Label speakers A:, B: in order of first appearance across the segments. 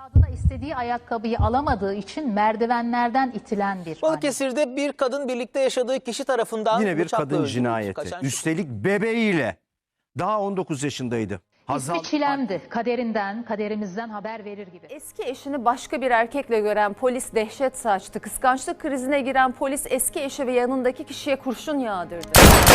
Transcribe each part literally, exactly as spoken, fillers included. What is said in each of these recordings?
A: Evladına istediği ayakkabıyı alamadığı için merdivenlerden itilen bir anne.
B: Balıkesir'de bir kadın birlikte yaşadığı kişi tarafından
C: Yine bir
B: bıçakla
C: kadın
B: öldürüldü.
C: cinayeti.
B: Kaçan
C: Üstelik bebeğiyle. Daha on dokuz yaşındaydı.
A: İsmi Çilem'di. Kaderinden, kaderimizden haber verir gibi.
D: Eski eşini başka bir erkekle gören polis dehşet saçtı. Kıskançlık krizine giren polis eski eşi ve yanındaki kişiye kurşun yağdırdı.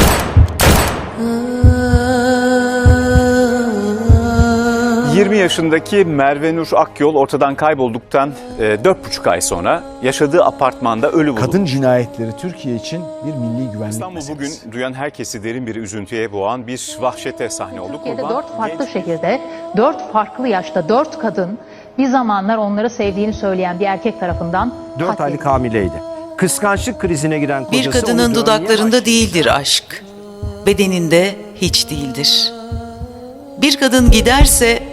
E: yirmi yaşındaki Merve Nur Akyol ortadan kaybolduktan dört buçuk ay sonra yaşadığı apartmanda ölü bulundu.
F: Kadın cinayetleri Türkiye için bir milli güvenlik
E: İstanbul
F: meselesi.
E: bugün duyan herkesi derin bir üzüntüye boğan bir vahşete sahne oldu.
A: Türkiye'de
E: Kurban
A: dört farklı
E: genç-
A: şehirde, dört farklı yaşta, dört kadın bir zamanlar onları sevdiğini söyleyen bir erkek tarafından
C: dört aylık
A: katledildi.
C: hamileydi. Kıskançlık krizine giren kocası...
G: Bir kadının
C: onu dövmeye
G: dudaklarında
C: başladı.
G: değildir aşk, bedeninde hiç değildir. Bir kadın giderse,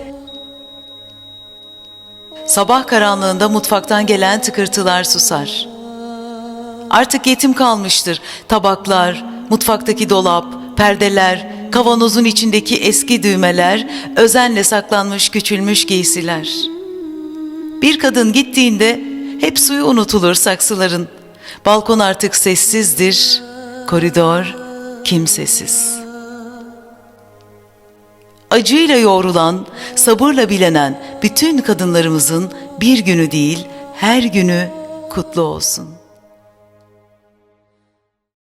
G: sabah karanlığında mutfaktan gelen tıkırtılar susar. Artık yetim kalmıştır tabaklar, mutfaktaki dolap, perdeler, kavanozun içindeki eski düğmeler, özenle saklanmış küçülmüş giysiler. Bir kadın gittiğinde hep suyu unutulur saksıların. Balkon artık sessizdir, koridor kimsesiz. Acıyla yoğrulan, sabırla bilenen bütün kadınlarımızın bir günü değil, her günü kutlu olsun.